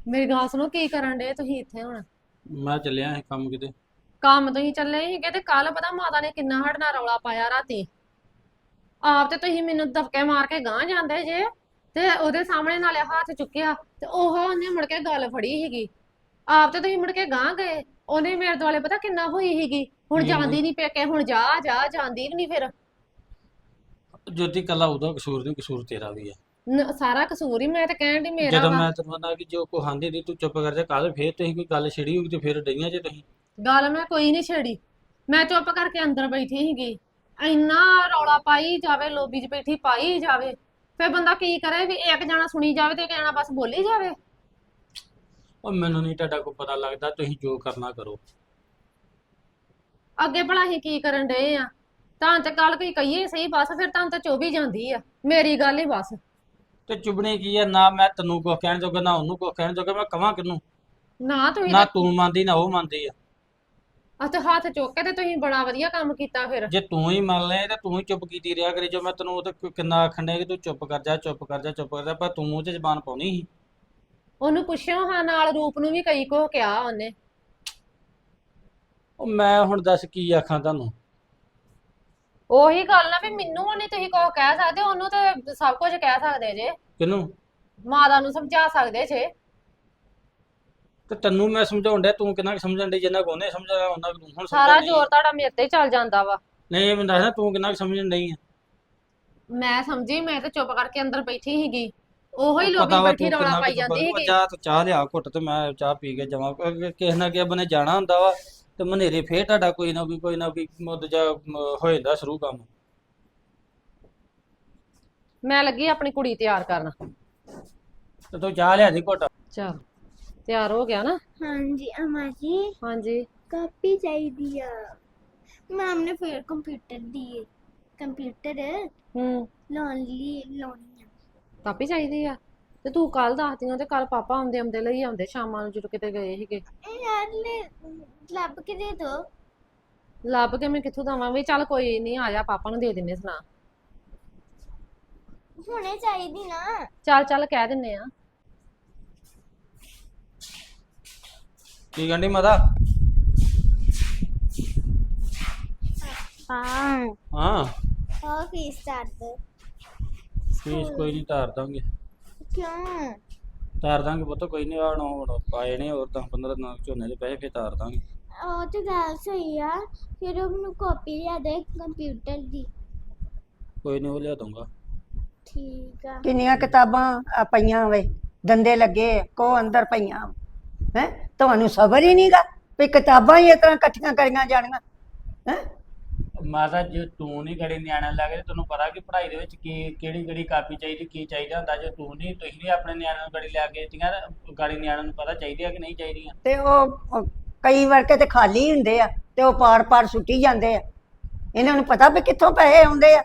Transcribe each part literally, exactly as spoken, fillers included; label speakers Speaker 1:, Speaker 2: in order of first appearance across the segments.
Speaker 1: ਮੇਰੀ ਗੱਲ ਸੁਣੋ, ਕੀ ਕਰਨ ਡੇ ਤੁਸੀਂ ਇੱਥੇ ਹੁਣ?
Speaker 2: ਮੈਂ ਚੱਲਿਆ ਸੀ ਕੰਮ ਕਿਤੇ।
Speaker 1: ਕੰਮ ਤੁਸੀਂ ਚੱਲੇ ਸੀਗੇ ਤੇ ਕੱਲ ਪਤਾ ਮਾਤਾ ਨੇ ਕਿੰਨਾ ਸਾਡੇ ਨਾਲ ਰੌਲਾ ਪਾਇਆ ਰਾਤੀ। ਆਪ ਤੇ ਤੁਸੀਂ ਮੈਨੂੰ ਦਬਕੇ ਮਾਰ ਕੇ ਗਾਂਹ ਜਾਂਦੇ ਜੇ, ਤੇ ਉਹਦੇ ਸਾਹਮਣੇ ਨਾਲੇ ਹੱਥ ਚੁੱਕਿਆ ਤੇ ਉਹ ਉਹਨੇ ਮੁੜ ਕੇ ਗੱਲ ਫੜੀ ਸੀਗੀ। ਆਪ ਤੇ ਤੁਸੀਂ ਮੁੜ ਕੇ ਗਾਂਹ ਗਏ, ਉਹਨੇ ਮੇਰੇ ਦੁਆਲੇ ਪਤਾ ਕਿੰਨਾ ਹੋਈ ਸੀਗੀ। ਹੁਣ
Speaker 2: ਕੀ
Speaker 1: ਜਾਂਦੀ
Speaker 2: ਨਹੀਂ,
Speaker 1: ਨਹੀਂ ਪੇਕੇ, ਹੁਣ ਜਾ ਜਾ ਜਾਂਦੀ ਵੀ ਨਹੀਂ ਫਿਰ।
Speaker 2: ਜੋਤੀ ਕੱਲਾ ਉਹਦਾ ਕਸੂਰ ਨਹੀਂ, ਕਸੂਰ ਤੇਰਾ ਵੀ ਆ।
Speaker 1: ਨ- ਸਾਰਾ ਕਸੂਰ ਹੀ ਮੈਂ ਤੇ ਕਹਿਣ ਦੀ ਮੇਰਾ
Speaker 2: ਜਦੋਂ
Speaker 1: ਵਾ।
Speaker 2: ਮੈਂ ਤੈਨੂੰ ਨਾ ਕਿ ਜੋ ਕੋ ਹਾਂਦੀ ਦੀ ਤੂੰ ਚੁੱਪ ਕਰ ਜਾ, ਕੱਲ ਫੇਰ ਤੁਸੀਂ ਕੋਈ ਗੱਲ ਛਿੜੀ ਹੋਊਗੀ ਤੇ ਫੇਰ ਡਈਆਂ ਜੇ ਤੁਸੀਂ।
Speaker 1: ਗੱਲ ਮੈਂ ਕੋਈ ਨਹੀਂ ਛੇੜੀ, ਮੈਂ ਚੁੱਪ ਕਰਕੇ ਅੰਦਰ ਬੈਠੀ ਸੀਗੀ। ਇੰਨਾ ਰੌਲਾ ਪਾਈ ਜਾਵੇ, ਲੋਬੀ 'ਚ ਬੈਠੀ ਪਾਈ ਜਾਵੇ, ਫਿਰ ਬੰਦਾ ਕੀ ਕਰੇ ਵੀ ਇੱਕ ਜਣਾ ਸੁਣੀ ਜਾਵੇ ਤੇ ਇੱਕ ਜਣਾ ਬਸ ਬੋਲੀ ਜਾਵੇ।
Speaker 2: ਉਹ ਮੈਨੂੰ ਨਹੀਂ ਤੁਹਾਡਾ ਕੋਈ ਪਤਾ ਲੱਗਦਾ, ਤੁਸੀਂ ਜੋ ਕਰਨਾ ਕਰੋ।
Speaker 1: ਅੱਗੇ ਭਲਾ ਅਸੀਂ ਕੀ ਕਰਨ ਡਏ ਆ? ਤਾਂ ਤੇ ਕੱਲ ਕੋਈ ਕਹੀਏ ਸਹੀ ਬਸ, ਫਿਰ ਤਾਂ ਤੇ ਚੁੱਭ ਹੀ ਜਾਂਦੀ ਆ ਮੇਰੀ ਗੱਲ ਹੀ ਬਸ।
Speaker 2: ਤੇ ਚੁਬਣੇ ਕੀ ਆ, ਨਾ ਮੈਂ ਤੈਨੂੰ ਕੁਛ ਕਹਿਣ ਜੋਗਾ ਨਾ ਉਹਨੂੰ ਕੁਛ ਕਹਿਣ ਜੋਗਾ, ਮੈਂ ਕਵਾਂ ਕਿਹਨੂੰ?
Speaker 1: ਨਾ ਤੁਸੀਂ
Speaker 2: ਨਾ
Speaker 1: ਤੇ
Speaker 2: ਤੂੰ ਮੰਨਦੀ ਨਾ ਉਹ ਮੰਨਦੀ ਆ।
Speaker 1: ਅੱਛਾ ਹੱਥ ਚੁੱਕ ਕੇ ਤੇ ਤੁਸੀਂ ਬੜਾ ਵਧੀਆ ਕੰਮ ਕੀਤਾ ਫਿਰ।
Speaker 2: ਜੇ ਤੂੰ ਹੀ ਮੰਨ ਲੈ ਤੇ ਤੂੰ ਹੀ ਚੁੱਪ ਕੀਤੀ ਰਿਹਾ ਕਰੇ, ਜੋ ਮੈਂ ਤੈਨੂੰ ਉਹ ਤੇ ਕਿੰਨਾ ਆਖਣ ਡਿਆ ਕਿ ਤੂੰ ਚੁੱਪ ਕਰ ਜਾ ਚੁੱਪ ਕਰ ਜਾ ਚੁੱਪ ਕਰ ਜਾ, ਪਰ ਤੂੰ ਮੂੰਹ 'ਚ ਜ਼ਬਾਨ ਪਾਉਣੀ ਸੀ।
Speaker 1: ਉਹਨੂੰ ਪੁੱਛਿਓ ਹਾਂ, ਨਾਲ ਰੂਪ ਨੂੰ ਵੀ ਕਈ ਕੁਛ ਕਿਹਾ ਉਹਨੇ।
Speaker 2: ਉਹ ਮੈਂ ਹੁਣ ਦੱਸ ਕੀ ਆਖਾਂ ਤੁਹਾਨੂੰ?
Speaker 1: ਉਹੀ ਗੱਲ ਨਾ ਵੀ ਮੈਨੂੰ ਨਹੀਂ ਤੁਸੀਂ ਕੁਛ ਕਹਿ ਸਕਦੇ, ਉਹਨੂੰ ਤੇ ਸਭ ਕੁਝ ਕਹਿ ਸਕਦੇ ਜੇ।
Speaker 2: ਕਿਹਨੂੰ?
Speaker 1: ਮਾਤਾ ਨੂੰ ਸਮਝਾ ਸਕਦੇ ਜੇ।
Speaker 2: ਤੇ ਤੈਨੂੰ ਮੈਂ ਸਮਝਾਉਣ ਡਿਆ, ਤੂੰ ਕਿੰਨਾ ਕੁ ਸਮਝਣ ਡਈ? ਜਿੰਨਾ ਕੁ ਉਹਨੇ ਸਮਝਾਇਆ ਉਹਨਾਂ ਕੁ ਤੂੰ ਹੁਣ
Speaker 1: ਸਾਰਾ
Speaker 2: ਸਮਝਾਉਣੀ
Speaker 1: ਜ਼ੋਰ
Speaker 2: ਆ।
Speaker 1: ਤੁਹਾਡਾ ਮੇਰੇ ਤੇ ਹੀ ਚੱਲ ਜਾਂਦਾ ਵਾ।
Speaker 2: ਨਹੀਂ ਇਹ ਮੈਨੂੰ ਦੱਸ ਤੂੰ ਕਿੰਨਾ ਕੁ ਸਮਝਣ ਡਈ ਆ?
Speaker 1: ਮੈਂ ਸਮਝੀ, ਮੈਂ ਤੇ ਚੁੱਪ ਕਰਕੇ ਅੰਦਰ ਬੈਠੀ ਸੀਗੀ। ਉਹੋ ਹੀ
Speaker 2: ਉਹ
Speaker 1: ਲੋਬੀ
Speaker 2: ਪਤਾ ਵਾ
Speaker 1: ਬੈਠੀ
Speaker 2: ਤੂੰ
Speaker 1: ਰੌਲਾ
Speaker 2: ਕਿੰਨਾ ਕੁ
Speaker 1: ਪਾਈ
Speaker 2: ਚੁੱਪ।
Speaker 1: ਜਾਂਦੀ
Speaker 2: ਉਹ
Speaker 1: ਸੀਗੀ।
Speaker 2: ਜਾ ਤੂੰ ਚਾਹ ਲਿਆ ਘੁੱਟ ਤੇ ਮੈਂ ਚਾਹ ਪੀ ਕੇ ਜਾਵਾਂ, ਕਿਉਂਕਿ ਕਿਸੇ ਨਾ ਕਿਸੇ ਬਨੇ ਜਾਣਾ ਹੁੰਦਾ ਵਾ। ਤੇ ਮਨੇਰੇ ਫੇਰ ਤੁਹਾਡਾ ਕੋਈ ਨਾ ਕੋਈ ਕੋਈ ਨਾ ਕੋਈ ਮੁੱਦ ਜਾ ਹੋ ਜਾਂਦਾ ਸ਼ੁਰੂ ਕੰਮ।
Speaker 1: ਮੈਂ ਲੱਗੀ ਆਪਣੀ ਕੁੜੀ ਤਿਆਰ ਕਰਨ।
Speaker 2: ਤੇ ਤੂੰ ਚਾਹ ਲਿਆ ਦੀ ਘੁੱਟ।
Speaker 1: ਚਲ ਤਿਆਰ ਹੋ ਗਿਆ ਨਾ?
Speaker 3: ਹਾਂਜੀ ਅਮਾ ਜੀ,
Speaker 1: ਹਾਂਜੀ।
Speaker 3: ਕਾਪੀ ਚਾਹੀਦੀ ਆ। ਮੈਮ ਨੇ ਫਿਰ ਕੰਪਿਊਟਰ ਦੀ ਕੰਪਿਊਟਰ
Speaker 1: ਹੂੰ।
Speaker 3: ਲਾਉਣ ਲਈ ਲਾਉਣੀ ਆ।
Speaker 1: ਕਾਪੀ ਚਾਹੀਦੀ ਆ? ਤੇ ਤੂੰ ਕੱਲ ਦੱਸਦੀਆਂ ਤੇ ਕੱਲ ਪਾਪਾ ਆਉਂਦੇ ਆਉਂਦੇ ਲਈ ਆਉਂਦੇ ਸ਼ਾਮਾਂ ਨੂੰ ਜਦੋਂ ਕਿਤੇ ਗਏ ਸੀਗੇ।
Speaker 3: ਇਹ ਯਾਰ ਲੈ ਲੱਭ ਕੇ ਦੇ ਦੋ।
Speaker 1: ਲੱਭ ਕੇ ਮੈਂ ਕਿੱਥੋਂ ਦਵਾਂ ਵੀ? ਚੱਲ ਕੋਈ ਨਹੀਂ, ਆ ਜਾ ਪਾਪਾ ਨੂੰ ਦੇ ਦਿੰਨੇ ਸੁਣਾ।
Speaker 3: ਹੁਣੇ ਚਾਹੀਦੀ ਨਾ।
Speaker 1: ਚੱਲ ਚੱਲ ਕਹਿ ਦਿੰਨੇ ਆ।
Speaker 2: ਕੀ ਕਹਿੰਦੀ ਮਾਤਾ?
Speaker 3: ਹਾਂ
Speaker 2: ਹਾਂ
Speaker 3: ਉਹ ਫੀਸ ਚਾਰ ਦੋ।
Speaker 2: ਫੀਸ ਕੋਈ ਨਹੀਂ ਤਾਰ ਦਾਂਗੇ।
Speaker 3: ਕਿਉਂ?
Speaker 2: ਤਾਰ ਦਾਂਗੇ ਪੁੱਤ, ਕੋਈ ਨਹੀਂ। ਆਣ ਹੁਣ ਪਾਏ ਨੇ ਹੋਰ ਦਸ ਪੰਦਰਾਂ ਦਿਨਾਂ ਝੋਨੇ ਦੇ ਪੈਸੇ, ਫੇਰ ਤਾਰ ਦਾਂਗੇ।
Speaker 3: ਉਹ ਤੇ ਗੱਲ ਸਹੀ ਆ। ਫਿਰ ਉਹ ਮੈਨੂੰ ਕਾਪੀ ਲਿਆ ਦੇ ਕੰਪਿਊਟਰ ਦੀ।
Speaker 2: ਕੋਈ ਨਹੀਂ ਉਹ ਲਿਆ ਦੂੰਗਾ।
Speaker 3: ਠੀਕ ਆ।
Speaker 4: ਕਿੰਨੀਆਂ ਕਿਤਾਬਾਂ ਆ ਪਈਆਂ ਵੇ, ਦੰਦੇ ਲੱਗੇ ਕੋ ਅੰਦਰ ਪਈਆਂ ਹੈ। ਤੁਹਾਨੂੰ ਸਬਰ ਹੀ ਨਹੀਂਗਾ ਵੀ ਕਿਤਾਬਾਂ ਹੀ ਇਸ ਤਰ੍ਹਾਂ ਇਕੱਠੀਆਂ ਕਰੀਆਂ ਜਾਣੀਆਂ ਹੈ।
Speaker 2: ਮਾਤਾ ਜੇ ਤੂੰ ਨਹੀਂ ਗੜੀ ਨਿਆਣਾ ਲੱਗੇ, ਤੈਨੂੰ ਪਤਾ ਕਿ ਪੜ੍ਹਾਈ ਦੇ ਵਿੱਚ ਕੀ ਕਿਹੜੀ ਕਿਹੜੀ ਕਾਪੀ ਚਾਹੀਦੀ, ਕੀ ਚਾਹੀਦਾ ਹੁੰਦਾ। ਜੇ ਤੂੰ ਨਹੀਂ ਤੁਸੀਂ ਨਹੀਂ ਆਪਣੇ ਨਿਆਣਿਆਂ ਨੂੰ ਗੜੀ ਲਿਆ ਕੇ ਦਿੱਤੀਆਂ, ਗਾੜੀ ਨਿਆਣਿਆਂ ਨੂੰ ਪਤਾ ਚਾਹੀਦੀ ਆ ਕਿ ਨਹੀਂ ਚਾਹੀਦੀਆਂ।
Speaker 4: ਤੇ ਉਹ ਉਹ ਕਈ ਵਾਰ ਤੇ ਖਾਲੀ ਹੁੰਦੇ ਆ ਤੇ ਉਹ ਪਾੜ ਪਾੜ ਸੁੱਟੀ ਜਾਂਦੇ ਆ। ਇਹਨਾਂ ਨੂੰ ਪਤਾ ਵੀ ਕਿੱਥੋਂ ਪੈਸੇ ਆਉਂਦੇ ਆ।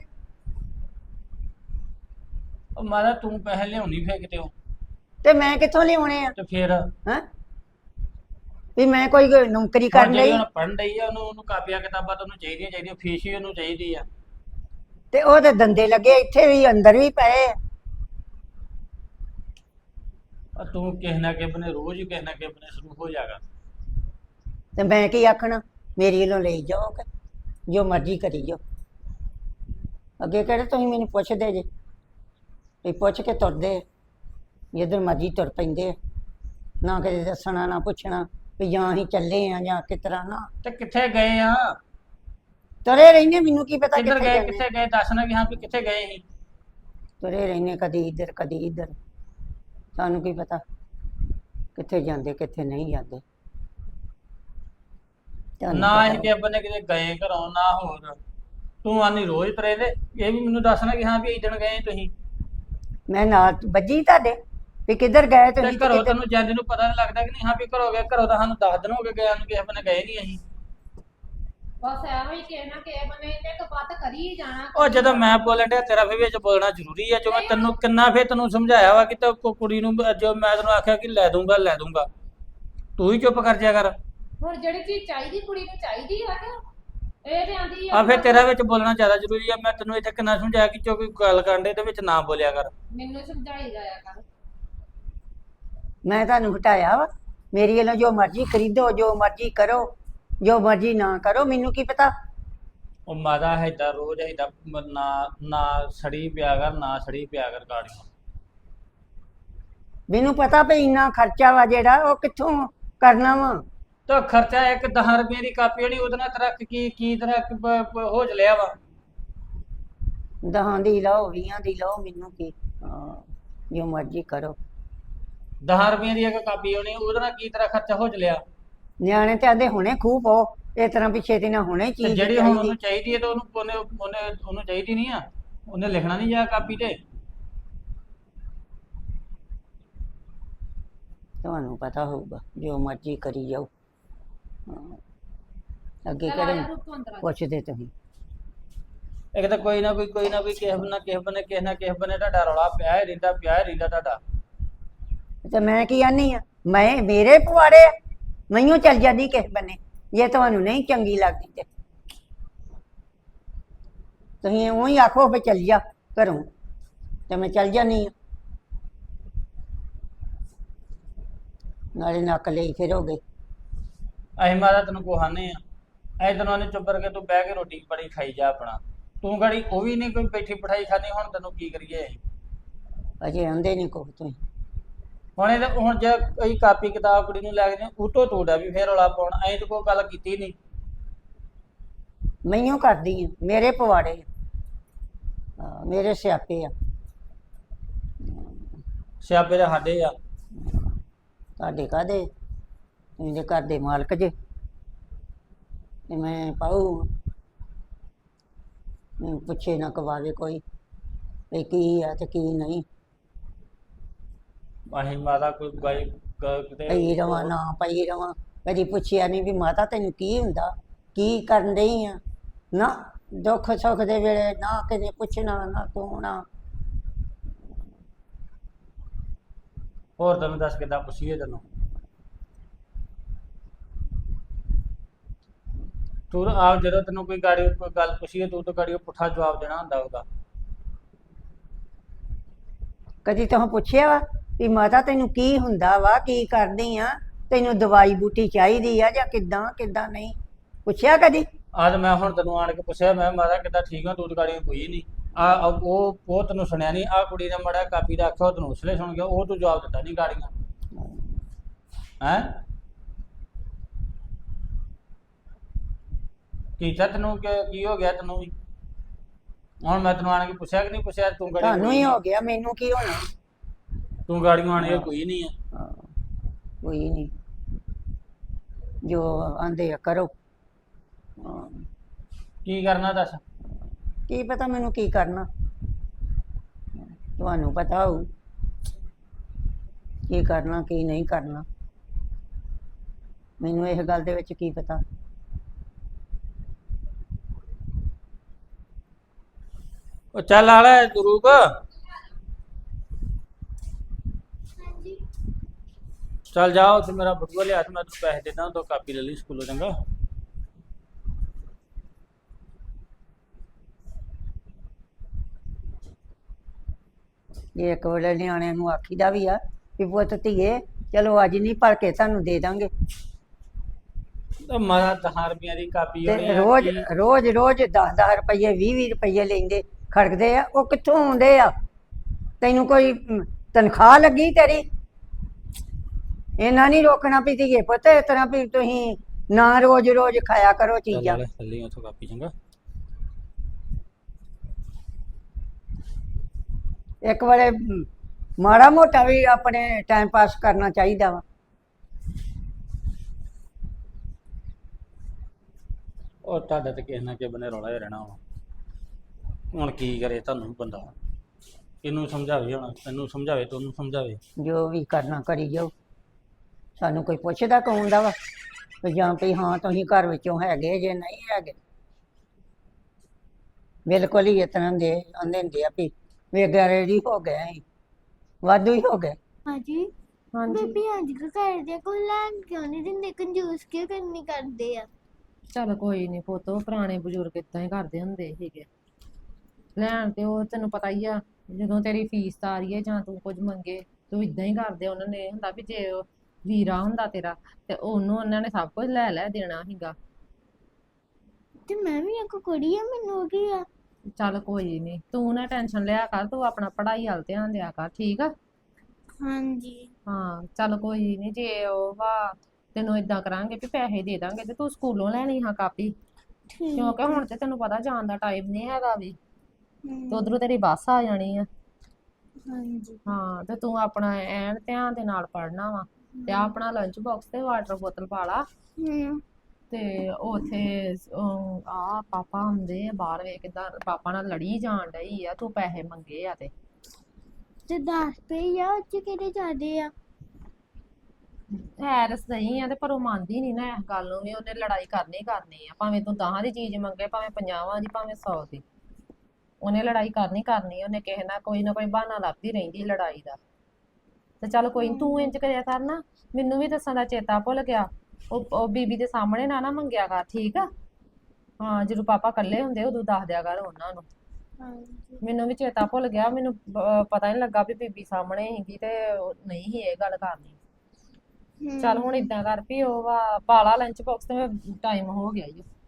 Speaker 2: ਉਹ ਮਾਤਾ ਤੂੰ ਪੈਸੇ ਲਿਆਉਣੀ ਫੇਰ ਕਿਤੇ ਉਹ,
Speaker 4: ਤੇ ਮੈਂ ਕਿੱਥੋਂ ਲਿਆਉਣੇ ਆ
Speaker 2: ਤੇ ਫੇਰ
Speaker 4: ਹੈ ਵੀ ਮੈਂ ਕੋਈ ਨੌਕਰੀ
Speaker 2: ਹੁਣ
Speaker 4: ਕਰਨ
Speaker 2: ਜਿਹੜੀ
Speaker 4: ਲਈ।
Speaker 2: ਹੁਣ ਪੜ੍ਹਨ ਡਈ ਆ, ਉਹਨੂੰ ਉਹਨੂੰ ਕਾਪੀਆਂ ਕਿਤਾਬਾਂ ਤਾਂ ਉਹਨੂੰ ਚਾਹੀਦੀਆਂ ਚਾਹੀਦੀਆਂ, ਫੀਸ ਹੀ ਉਹਨੂੰ ਚਾਹੀਦੀ ਆ।
Speaker 4: ਤੇ ਉਹਦੇ ਦੰਦੇ ਲੱਗੇ ਇੱਥੇ ਵੀ ਅੰਦਰ ਵੀ ਪਏ ਆ।
Speaker 2: ਆ ਤੂੰ ਕਿਸੇ ਨਾ ਕਿਸੇ ਬਨੇ ਰੋਜ਼ ਹੀ ਕਿਸੇ ਨਾ ਕਿਸੇ ਬਨੇ ਸ਼ੁਰੂ ਹੋ ਜਾਗਾ।
Speaker 4: ਤੇ ਮੈਂ ਕੀ ਆਖਣਾ, ਮੇਰੀ ਵੱਲੋਂ ਲਈ ਜਾਓ ਕਿ ਜੋ ਮਰਜ਼ੀ ਕਰੀ ਜਾਓ। ਅੱਗੇ ਕਿਹੜੇ ਤੁਸੀਂ ਮੈਨੂੰ ਪੁੱਛਦੇ ਜੇ, ਵੀ ਪੁੱਛ ਕੇ ਤੁਰਦੇ ਆ, ਜਿੱਧਰ ਮਰਜ਼ੀ ਤੁਰ ਪੈਂਦੇ ਆ। ਨਾ ਕਦੇ ਦੱਸਣਾ ਨਾ ਪੁੱਛਣਾ ਵੀ ਜਾਂ ਅਸੀਂ ਚੱਲੇ ਆ ਜਾਂ ਕਿਸ ਤਰ੍ਹਾਂ। ਨਾ
Speaker 2: ਤੇ ਕਿੱਥੇ ਗਏ ਆ?
Speaker 4: ਤੁਰੇ ਰਹਿੰਦੇ, ਮੈਨੂੰ ਕੀ ਪਤਾ
Speaker 2: ਕਿੱਧਰ
Speaker 4: ਕਿੱਥੇ
Speaker 2: ਗਏ
Speaker 4: ਜਾਂਦੇ।
Speaker 2: ਕਿੱਥੇ ਗਏ ਦੱਸਣਾ ਕਿ ਹਾਂ ਵੀ ਕਿੱਥੇ ਗਏ ਸੀ।
Speaker 4: ਤੁਰੇ ਰਹਿੰਦੇ ਕਦੀ ਇੱਧਰ ਕਦੀ ਇੱਧਰ, ਸਾਨੂੰ ਕੀ ਪਤਾ ਕਿੱਥੇ ਜਾਂਦੇ ਕਿੱਥੇ ਨਹੀਂ ਜਾਂਦੇ। ਤੁਹਾਨੂੰ
Speaker 2: ਨਾ
Speaker 4: ਪਤਾ
Speaker 2: ਅਸੀਂ ਕਿਸੇ ਬੰਨੇ ਕਿਤੇ ਗਏ ਘਰੋਂ ਨਾ ਹੋਰ। ਤੂੰ ਆਨੀ ਰੋਜ਼ ਤਰੇ ਦੇ, ਇਹ ਵੀ ਮੈਨੂੰ ਦੱਸਣਾ ਕਿ ਹਾਂ ਵੀ ਇਸ ਦਿਨ ਗਏ ਤੁਸੀਂ।
Speaker 4: ਮੈਂ ਨਾਲ ਵੱਜੀ ਤੁਹਾਡੇ ਵੀ ਕਿੱਧਰ ਗਏ
Speaker 2: ਤੇ
Speaker 4: ਤੁਸੀਂ ਤੇ
Speaker 2: ਘਰੋਂ
Speaker 4: ਕਿੱਧਰ।
Speaker 2: ਤੈਨੂੰ ਜਾਂਦੇ ਨੂੰ ਪਤਾ ਨਹੀਂ ਲੱਗਦਾ ਕਿ ਨਹੀਂ ਹਾਂ ਵੀ ਘਰੋਂ ਗਏ? ਘਰੋਂ ਤਾਂ ਸਾਨੂੰ ਦਸ ਦਿਨ ਹੋ ਗਏ ਗਏ ਨੂੰ, ਕਿਸੇ ਬੰਨੇ ਗਏ ਨਹੀਂ ਅਸੀਂ।
Speaker 1: ਬਸ ਐਵੇਂ ਹੀ ਕਿਸੇ ਨਾ ਕਿਸੇ ਬਣੇ ਤੇ ਕਪੱਤ ਕਰੀ ਹੀ ਜਾਣਾ।
Speaker 2: ਉਹ ਜਦੋਂ ਮੈਂ ਬੋਲਣ ਡਿਆ ਤੇਰਾ ਫਿਰ ਵਿੱਚ ਬੋਲਣਾ ਜ਼ਰੂਰੀ ਆ। ਜੋ ਮੈਂ ਤੈਨੂੰ ਕਿੰਨਾ ਫੇਰ ਤੈਨੂੰ ਸਮਝਾਇਆ ਵਾ ਕਿ ਤੇ ਕੁੜੀ ਨੂੰ, ਜੋ ਮੈਂ ਤੈਨੂੰ ਆਖਿਆ ਕਿ ਲੈ ਦੂੰਗਾ ਲੈ ਦੂੰਗਾ, ਤੂੰ ਹੀ ਚੁੱਪ ਕਰ ਜਿਆ ਕਰ।
Speaker 1: ਹੁਣ ਜਿਹੜੀ ਚੀਜ਼ ਚਾਹੀਦੀ ਕੁੜੀ ਨੂੰ ਚਾਹੀਦੀ ਆ ਕਿ ਇਹ ਤੇ ਆਂਦੀ
Speaker 2: ਆ ਫਿਰ ਤੇਰਾ ਵਿੱਚ ਬੋਲਣਾ ਜ਼ਿਆਦਾ ਜ਼ਰੂਰੀ ਆ। ਮੈਂ ਤੈਨੂੰ ਇੱਥੇ ਕਿੰਨਾ ਸਮਝਾਇਆ ਕਿ ਜੋ ਕੋਈ ਗੱਲ ਕਰਨ ਦੇ ਵਿੱਚ ਨਾ ਬੋਲਿਆ ਕਰ।
Speaker 1: ਮੈਨੂੰ ਸਮਝਾਈ ਜਾਇਆ ਕਰ।
Speaker 4: ਮੈਂ ਤੁਹਾਨੂੰ ਹਟਾਇਆ ਵਾ? ਮੇਰੀ ਵੱਲੋਂ ਜੋ ਮਰਜ਼ੀ ਖਰੀਦੋ, ਜੋ ਮਰਜ਼ੀ ਕਰੋ, ਜੋ ਮਰਜ਼ੀ ਨਾ ਕਰੋ, ਮੈਨੂੰ ਕੀ ਪਤਾ।
Speaker 2: ਉਹ ਮਾਤਾ ਏਦਾਂ ਰੋਜ਼ ਏਦਾਂ ਮ- ਨਾ ਨਾ ਸੜੀ ਪਿਆ ਕਰ, ਨਾ ਸੜੀ ਪਿਆ ਕਰ ਗਾੜੀਆਂ।
Speaker 4: ਮੈਨੂੰ ਪਤਾ ਵੀ ਇੰਨਾ ਖਰਚਾ ਵਾ ਜਿਹੜਾ ਉਹ ਕਿੱਥੋਂ ਕਰਨਾ ਵਾ।
Speaker 2: ਤਾਂ ਖਰਚਾ ਇੱਕ ਦਸ ਰੁਪਏ ਦੀ ਕਾਪੀ ਹੋਣੀ, ਉਹਦੇ ਨਾਲ ਤੇਰਾ ਕੀ ਕੀ ਤੇਰਾ ਕ- ਪ- ਪ- ਹੋ ਲਿਆ ਵਾ।
Speaker 4: ਦਹਾਂ ਦੀ ਲਓ, ਵੀਹਾਂ ਦੀ ਲਓ, ਮੈਨੂੰ ਕੀ। ਹਾਂ, ਜੋ ਮਰਜ਼ੀ ਕਰੋ।
Speaker 2: ਦਸ ਰੁਪਏ ਦੀ ਇੱਕ ਕਾਪੀ ਹੋਣੀ, ਉਹਦੇ ਨਾਲ ਕੀ ਤੇਰਾ ਖਰਚਾ ਹੋ ਲਿਆ।
Speaker 4: ਨਿਆਣੇ ਤੇ ਆਂਦੇ ਹੁਣੇ ਖੂਹ ਪਾਓ, ਇਸ ਤਰ੍ਹਾਂ ਵੀ ਛੇਤੀ ਨਾਲ ਹੁਣੇ
Speaker 2: ਤੇ
Speaker 4: ਚੀਜ਼
Speaker 2: ਜਿਹੜੀ ਹੁਣ
Speaker 4: ਚਾਹੀਦੀ।
Speaker 2: ਉਹਨੂੰ ਚਾਹੀਦੀ ਹੈ ਤਾਂ ਉਹਨੂੰ ਉਹਨੇ ਉਹਨੇ ਉਹਨੂੰ ਚਾਹੀਦੀ ਨਹੀਂ ਆ, ਉਹਨੇ ਲਿਖਣਾ ਨਹੀਂ ਜਾ ਕਾਪੀ ਤੇ।
Speaker 4: ਤੁਹਾਨੂੰ ਪਤਾ ਹੋਊਗਾ, ਜੋ ਮਰਜ਼ੀ ਕਰੀ ਜਾਓ। ਹਾਂ, ਅੱਗੇ
Speaker 1: ਚੱਲ ਆ
Speaker 4: ਕਿਹੜੇ
Speaker 1: ਜਾ ਰੂਪ ਤੂੰ ਅੰਦਰ ਆ।
Speaker 4: ਪੁੱਛਦੇ ਤੁਸੀਂ?
Speaker 2: ਇੱਕ ਤਾਂ ਕੋਈ ਨਾ ਕੋਈ ਕੋਈ ਨਾ ਕੋਈ ਕਿਸੇ ਨਾ ਕਿਸੇ ਬਨੇ ਕਿਸੇ ਨਾ ਕਿਸੇ ਬਨੇ ਤੁਹਾਡਾ ਰੌਲਾ ਪਿਆ ਹੀ ਰਹਿੰਦਾ, ਪਿਆ ਹੀ ਰਹਿੰਦਾ ਤੁਹਾਡਾ।
Speaker 4: ਤੇ ਮੈਂ ਕੀ ਆਨੀ ਆ? ਮੈਂ ਮੇਰੇ ਪਵਾੜੇ ਆ, ਮੈਨੂੰ ਚੱਲ ਜਾਂਦੀ ਕਿਸੇ ਬੰਨੇ, ਜੇ ਤੁਹਾਨੂੰ ਨਹੀਂ ਚੰਗੀ ਲੱਗਦੀ ਤੇ ਤੁਸੀਂ ਉਹੀ ਆਖੋ ਵੀ ਚੱਲ ਜਾ ਘਰੋਂ, ਤੇ ਮੈਂ ਚੱਲ ਜਾਨੀ ਆ। ਨਾਲੇ ਨੱਕ ਲਈ ਫਿਰੋਗੇ।
Speaker 2: ਅਸੀਂ ਮਾਤਾ ਤੈਨੂੰ ਕੋਹਾਨੇ ਆ, ਅਸੀਂ ਤੈਨੂੰ ਆਨੇ ਚੁੱਪ ਕਰਕੇ ਤੂੰ ਬਹਿ ਕੇ ਰੋਟੀ ਬੜੀ ਖਾਈ ਜਾ ਆਪਣਾ। ਤੂੰ ਗਾੜੀ ਉਹ ਵੀ ਨਹੀਂ ਕੋਈ ਬੈਠੀ ਬਿਠਾਈ ਖਾਣੀ, ਹੁਣ ਤੈਨੂੰ ਕੀ ਕਰੀਏ।
Speaker 4: ਅਜੇ ਆਂਦੇ ਨਹੀਂ ਕੁਛ ਤੁਸੀਂ।
Speaker 2: ਹੁਣ ਇਹ ਹੁਣ ਜੇ ਕੋਈ ਕਾਪੀ ਕਿਤਾਬ ਕੁੜੀ ਨੂੰ ਲੈ ਕੇ ਦੇ ਉਤੋਂ ਤੋੜਾ ਵੀ ਫੇਰ ਰੌਲਾ ਪਾਉਣ, ਅਸੀਂ ਤਾਂ ਕੋਈ ਗੱਲ ਕੀਤੀ ਨਹੀਂ।
Speaker 4: ਮੈਨੂੰ ਕਰਦੀ ਆ, ਮੇਰੇ ਪਵਾੜੇ ਆ। ਹਾਂ, ਮੇਰੇ ਸਿਆਪੇ ਆ।
Speaker 2: ਸਿਆਪੇ ਦੇ ਸਾਡੇ ਆ।
Speaker 4: ਤੁਹਾਡੇ ਕਾਹਦੇ? ਤੁਸੀਂ ਦੇ ਘਰ ਦੇ ਮਾਲਕ ਜੇ, ਤੇ ਮੈਂ ਪਾਉ ਮੈਨੂੰ ਪੁੱਛੇ ਨਾ ਕਵਾਵੇ ਕੋਈ ਵੀ ਕੀ ਆ ਤੇ ਕੀ ਨਹੀਂ।
Speaker 2: ਅਸੀਂ ਮਾਤਾ ਕੋਈ ਗਾਈ ਗ- ਕਿਤੇ
Speaker 4: ਪਈ ਰਵਾਂ ਨਾ ਪਈ ਰਵਾਂ, ਕਦੀ ਪੁੱਛਿਆ ਨਹੀਂ ਵੀ ਮਾਤਾ ਤੈਨੂੰ ਕੀ ਹੁੰਦਾ, ਕੀ ਕਰਨ ਡਈ ਆ। ਨਾ ਦੁੱਖ ਸੁੱਖ ਦੇ ਵੇਲੇ ਨਾ ਕਿਤੇ ਪੁੱਛਣਾ, ਨਾ ਕੋਣਾ।
Speaker 2: ਹੋਰ ਤੈਨੂੰ ਦੱਸ ਕਿੱਦਾਂ ਪੁੱਛੀਏ ਤੈਨੂੰ। ਤੂੰ ਆਪ ਜਦੋਂ ਤੈਨੂੰ ਕੋਈ ਗਾੜੀ ਕੋਈ ਗੱਲ ਪੁੱਛੀਏ ਤੂੰ ਤਾਂ ਗਾੜੀ ਉਹ ਪੁੱਠਾ ਜਵਾਬ ਦੇਣਾ ਹੁੰਦਾ ਉਹਦਾ।
Speaker 4: ਕਦੀ ਤੂੰ ਪੁੱਛਿਆ ਵਾ ਵੀ ਮਾਤਾ ਤੈਨੂੰ ਕੀ ਹੁੰਦਾ ਵਾ, ਕੀ ਕਰਦੀ ਆ, ਤੈਨੂੰ ਦਵਾਈ ਬੂਟੀ ਚਾਹੀਦੀ ਆ ਜਾਂ ਕਿੱਦਾਂ ਕਿੱਦਾਂ ਨਹੀਂ ਪੁੱਛਿਆ ਕਦੀ?
Speaker 2: ਅੱਜ ਮੈਂ ਹੁਣ ਤੈਨੂੰ ਆਣ ਕੇ ਪੁੱਛਿਆ, ਮੈਂ ਮਾਤਾ ਕਿੱਦਾਂ ਠੀਕ ਆ, ਤੂੰ ਤਾਂ ਗਾੜੀ ਕੋਈ ਨਹੀਂ। ਆ ਉਹ ਉਹ ਤੈਨੂੰ ਸੁਣਿਆ ਨਹੀਂ, ਆ ਕੁੜੀ ਨੇ ਮੜਾ ਕਾਪੀ ਦਾ ਆਖਿਆ ਉਹ ਤੈਨੂੰ ਉਸਲੇ ਸੁਣ ਗਿਆ, ਉਹ ਤੂੰ ਜਵਾਬ ਦਿੱਤਾ ਨਹੀਂ ਗਾੜੀਆਂ ਹੈ। ਕੀਤਾ ਤੈਨੂੰ ਕਿ ਕੀ ਹੋ ਗਿਆ ਤੈਨੂੰ ਵੀ? ਹੁਣ ਮੈਂ ਤੈਨੂੰ ਆਣ ਕੇ ਪੁੱਛਿਆ ਕਿ ਨਹੀਂ ਪੁੱਛਿਆ, ਤੂੰ ਗਾੜੀ
Speaker 4: ਤੁਹਾਨੂੰ ਹੀ ਹੋ ਗਿਆ, ਮੈਨੂੰ ਕੀ ਹੋਣਾ।
Speaker 2: ਤੂੰ ਗਾੜੀਆਂ ਆਣ ਕੇ ਕੋਈ ਨਹੀਂ ਆ।
Speaker 4: ਹਾਂ, ਕੋਈ ਨਹੀਂ, ਜੋ ਆਂਦੇ ਆ ਕਰੋ। ਹਾਂ,
Speaker 2: ਕੀ ਕਰਨਾ ਦੱਸ।
Speaker 4: ਕੀ ਪਤਾ ਮੈਨੂੰ ਕੀ ਕਰਨਾ, ਤੁਹਾਨੂੰ ਪਤਾ ਹੋਊ ਕੀ ਕਰਨਾ ਕੀ ਨਹੀਂ ਕਰਨਾ। ਮੈਨੂੰ ਇਸ ਗੱਲ ਦੇ ਵਿੱਚ ਕੀ ਪਤਾ।
Speaker 2: ਉਹ ਚੱਲ ਆ ਲੈ ਰੂਪ,
Speaker 3: ਹਾਂਜੀ
Speaker 2: ਚੱਲ ਜਾ ਉੱਥੇ ਮੇਰਾ ਬਟੂਆ ਲਿਆ ਤੇ ਮੈਂ ਤੈਨੂੰ ਪੈਸੇ ਦੇ ਦਾਂ, ਤੂੰ ਕਾਪੀ ਲੈ ਲਈ ਸਕੂਲੋਂ, ਚੰਗਾ।
Speaker 4: ਜੇ ਇੱਕ ਵੇਲੇ ਨਿਆਣਿਆਂ ਨੂੰ ਆਖੀਦਾ ਵੀ ਆ ਵੀ ਪੁੱਤ ਧੀਏ ਚਲੋ ਅੱਜ ਨਹੀਂ ਭਰ ਕੇ ਤੁਹਾਨੂੰ ਦੇ ਦਾਂਗੇ,
Speaker 2: ਤੇ ਮਾਰਾ ਦਸ ਰੁਪਈਆਂ ਦੀ ਕਾਪੀ ਹੋਣੀ
Speaker 4: ਤੇ
Speaker 2: ਆ,
Speaker 4: ਰੋਜ਼
Speaker 2: ਕੀ-
Speaker 4: ਰੋਜ਼ ਰੋਜ਼ ਦਸ ਦਸ ਰੁਪਈਏ ਵੀਹ ਵੀਹ ਰੁਪਈਏ ਲੈਂਦੇ ਖੜਕਦੇ ਆ, ਉਹ ਕਿੱਥੋਂ ਆਉਂਦੇ ਆ? ਤੈਨੂੰ ਕੋਈ ਅਮ, ਤਨਖਾਹ ਲੱਗੀ ਤੇਰੀ? ਇਹਨਾਂ ਨਹੀਂ ਰੋਕਣਾ ਵੀ ਧੀਏ ਪੁੱਤ ਇਸ ਤਰ੍ਹਾਂ ਵੀ ਤੁਸੀਂ ਨਾ ਰੋਜ਼ ਰੋਜ਼ ਖਾਇਆ ਕਰੋ
Speaker 2: ਚੱਲ
Speaker 4: ਚੀਜ਼ਾਂ।
Speaker 2: ਲੈ ਚੱਲੀ ਉੱਥੋਂ ਕਾਪੀ, ਚੰਗਾ।
Speaker 4: ਇੱਕ ਵਾਰੇ ਅਮ, ਮਾੜਾ ਮੋਟਾ ਵੀ ਆਪਣੇ ਟਾਈਮ ਪਾਸ ਕਰਨਾ ਚਾਹੀਦਾ ਵਾ।
Speaker 2: ਉਹ ਤੁਹਾਡੇ ਤੇ ਕਿਸੇ ਨਾ ਕਿਸੇ ਬਨੇ ਰੌਲਾ ਹੀ ਰਹਿਣਾ ਵਾ। ਹੁਣ ਕੀ ਕਰੇ ਤੁਹਾਨੂੰ ਬੰਦਾ, ਇਹਨੂੰ ਸਮਝਾਵੇ, ਹੁਣ ਤੈਨੂੰ ਸਮਝਾਵੇ ਤੇ ਉਹਨੂੰ ਸਮਝਾਵੇ।
Speaker 4: ਜੋ ਵੀ ਕਰਨਾ ਕਰੀ ਜਾਓ, ਸਾਨੂੰ ਕੋਈ ਪੁੱਛਦਾ ਕੌਣ ਦਾ ਵਾ ਵੀ ਜਾਂ ਵੀ ਹਾਂ ਤੁਸੀਂ ਘਰ ਵਿੱਚੋਂ ਹੈਗੇ ਜੇ ਨਹੀਂ ਹੈਗੇ। ਬਿਲਕੁਲ ਹੀ ਇਸ ਤਰ੍ਹਾਂ ਦੇ ਆਂਦੇ ਹੁੰਦੇ ਆ ਵੀ ਵੇਗਾਰੇ ਹੀ ਹੋ ਗਏ ਅਸੀਂ, ਵਾਧੂ ਹੀ ਹੋ ਗਏ।
Speaker 3: ਹਾਂਜੀ
Speaker 1: ਹਾਂਜੀ
Speaker 3: ਬੇਬੀ ਅੱਜ ਕੱਲ੍ਹ ਕਰਦੇ ਆ, ਕੋਈ ਲੈਣ ਕਿਉਂ ਨਹੀਂ ਦਿੰਦੇ, ਕੰਜੂਸ ਕਿਉਂ ਕਰਨੀ ਕਰਦੇ ਆ?
Speaker 1: ਚੱਲ ਕੋਈ ਨਹੀਂ ਪੁੱਤ, ਉਹ ਪੁਰਾਣੇ ਬਜ਼ੁਰਗ ਇਦਾਂ ਹੀ ਕਰਦੇ ਹੁੰਦੇ ਸੀਗੇ। ਲੈਣ ਤੇ ਉਹ ਤੈਨੂੰ ਪਤਾ ਹੀ ਆ, ਜਦੋਂ ਤੇਰੀ ਫੀਸ ਤਾਰੀ ਹੈ ਜਾਂ ਤੂੰ ਕੁਝ ਮੰਗੇ ਤੂੰ ਇਦਾਂ ਹੀ ਕਰਦੇ ਉਹਨਾਂ ਨੇ ਇਹ ਹੁੰਦਾ ਵੀ ਜੇ ਉਹ ਵੀਰਾ ਹੁੰਦਾ ਤੇਰਾ ਤੇ ਉਹਨੂੰ ਉਹਨਾਂ ਨੇ ਸਭ ਕੁਝ ਲੈ ਲੈ ਦੇਣਾ ਸੀਗਾ।
Speaker 3: ਤੇ ਮੈਂ ਵੀ ਇੱਕ ਕੁੜੀ ਆ, ਮੈਨੂੰ ਕੀ ਆ।
Speaker 1: ਚੱਲ ਕੋਈ ਨਹੀਂ, ਤੂੰ ਨਾ ਟੈਨਸ਼ਨ ਲਿਆ ਕਰ, ਤੂੰ ਆਪਣਾ ਪੜ੍ਹਾਈ ਵੱਲ ਧਿਆਨ ਦਿਆ ਕਰ, ਠੀਕ ਆ।
Speaker 3: ਹਾਂਜੀ
Speaker 1: ਹਾਂ ਚੱਲ ਕੋਈ ਨਹੀਂ, ਜੇ ਉਹ ਵਾ ਤੈਨੂੰ ਇਦਾਂ ਕਰਾਂਗੇ ਵੀ ਪੈਸੇ ਦੇ ਦਾਂਗੇ ਤੇ ਤੂੰ ਸਕੂਲੋਂ ਲੈਣੀ ਹਾਂ ਕਾਪੀ,
Speaker 3: ਠੀਕ।
Speaker 1: ਕਿਉਂਕਿ ਹੁਣ ਤੇ ਤੈਨੂੰ ਪਤਾ ਜਾਣ ਦਾ ਟਾਈਮ ਨਹੀਂ ਹੈਗਾ ਵੀ,
Speaker 3: ਹਮ,
Speaker 1: ਤੇ ਉਧਰੋਂ ਤੇਰੀ ਬੱਸ ਆ ਜਾਣੀ ਆ।
Speaker 3: ਹਾਂਜੀ
Speaker 1: ਹਾਂ ਤੇ ਤੂੰ ਆਪਣਾ ਐਨ ਧਿਆਨ ਦੇ ਨਾਲ ਪੜ੍ਹਨਾ ਵਾ, ਤੇ ਆਹ ਆਪਣਾ ਲੰਚ ਬਾਕਸ ਤੇ ਵਾਟਰ ਬੋਤਲ ਪਾ ਲਾ,
Speaker 3: ਹਮ
Speaker 1: ਤੇ ਉੱਥੇ ਆ ਪਾਪਾ ਹੁੰਦੇ ਆ ਬਾਹਰ, ਵੇਖ ਕਿੱਦਾਂ ਪਾਪਾ ਨਾਲ ਲੜੀ ਜਾਣ ਡਈ ਆ, ਤੂੰ ਪੈਸੇ ਮੰਗੇ ਆ ਤੇ
Speaker 3: ਤੇ ਦਸ ਰੁਪਏ ਆ, ਉਹ ਚ ਕਿਹੜੇ ਜ਼ਿਆਦੇ ਆ।
Speaker 1: ਹੈ ਤਾਂ ਸਹੀ ਆ ਤੇ ਪਰ ਉਹ ਮੰਨਦੀ ਨਹੀਂ ਨਾ ਇਸ ਗੱਲ ਨੂੰ ਵੀ, ਉਹਨੇ ਲੜਾਈ ਕਰਨੀ ਕਰਨੀ ਆ, ਭਾਵੇਂ ਤੂੰ ਦਸਾਂ ਦੀ ਚੀਜ਼ ਮੰਗੇ, ਭਾਵੇਂ ਪੰਜਾਹਾਂ ਦੀ, ਭਾਵੇਂ ਸੌ ਦੀ, ਉਹਨੇ ਲੜਾਈ ਕਰਨੀ ਕਰਨੀ, ਉਹਨੇ ਕਿਸੇ ਨਾਲ ਕੋਈ ਨਾ ਕੋਈ ਬਹਾਨਾ ਲੱਭਦੀ ਰਹਿੰਦੀ ਲੜਾਈ ਦਾ। ਤੇ ਚੱਲ ਕੋਈ ਨੀ, ਤੂੰ ਇੰਜ ਕਰਿਆ ਕਰ ਨਾ, ਮੈਨੂੰ ਵੀ ਦੱਸਣ ਦਾ ਚੇਤਾ ਭੁੱਲ ਗਿਆ, ਉਹ ਉਹ ਬੀਬੀ ਦੇ ਸਾਹਮਣੇ ਨਾ ਨਾ ਮੰਗਿਆ ਕਰ, ਠੀਕ ਆ। ਹਾਂ ਜਦੋਂ ਪਾਪਾ ਇਕੱਲੇ ਹੁੰਦੇ ਉਦੋਂ ਦੱਸ ਦਿਆ ਕਰ ਉਹਨਾਂ ਨੂੰ।
Speaker 3: ਹਾਂਜੀ
Speaker 1: ਮੈਨੂੰ ਵੀ ਚੇਤਾ ਭੁੱਲ ਗਿਆ, ਮੈਨੂੰ ਪ- ਪਤਾ ਨੀ ਲੱਗਾ ਵੀ ਬੀਬੀ ਸਾਹਮਣੇ ਸੀਗੀ ਤੇ ਉਹ ਨਹੀਂ ਸੀ ਇਹ ਗੱਲ ਕਰਨੀ।
Speaker 3: ਹਮ,
Speaker 1: ਚੱਲ ਹੁਣ ਇਦਾਂ ਕਰ ਵੀ ਉਹ ਵਾ ਪਾਲਾ ਲੰਚ ਬਾਕਸ ਤੇ ਟਾਈਮ ਹੋ ਗਿਆ ਜੀ।